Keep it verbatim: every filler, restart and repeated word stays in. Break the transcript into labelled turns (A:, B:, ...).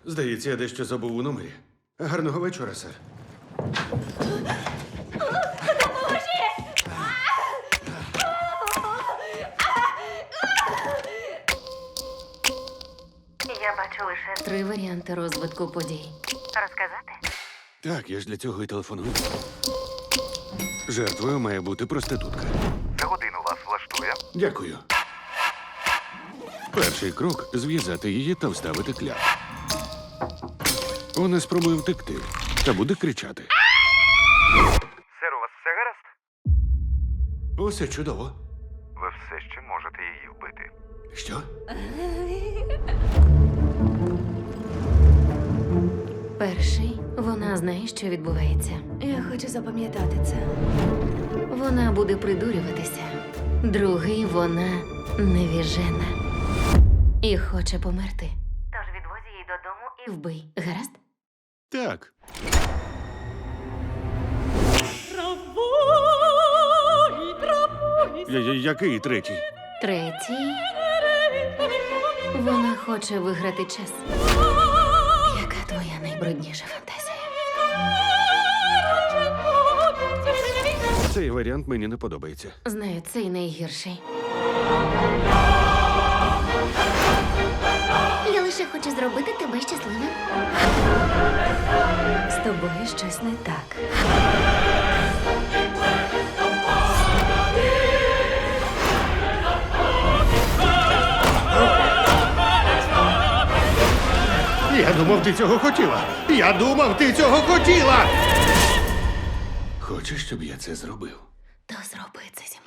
A: Здається, я дещо забув у номері. Гарного вечора, сер.
B: Я бачу лише
C: Три варіанти розвитку подій.
B: розказати.
A: Так, я ж для цього і телефоную. Жертвою має бути проститутка.
D: За годину вас влаштує?
A: Дякую. Перший крок зв'язати її та вставити кляп. Вона спробує втекти та буде кричати.
D: Сер, у вас все гаразд?
A: Усе чудово.
D: Ви все ще можете її вбити.
A: Що?
C: Перший, вона знає, що відбувається.
E: Я хочу запам'ятати це.
C: Вона буде придурюватися. Другий, вона невіжена. І хоче померти.
B: Тож відвозь її додому і
C: Вбий, гаразд?
A: Так. Я, я, який третій?
C: Третій. Вона хоче виграти час. Яка твоя найбрудніша фантазія?
A: Цей варіант мені не подобається.
C: Знаю, цей найгірший.
E: Я лише хочу зробити тебе щасливим.
C: З тобою щось не так.
A: Я думав, ти цього хотіла. Я думав, ти цього хотіла. Хочеш, щоб я це зробив?
C: То зроби це зі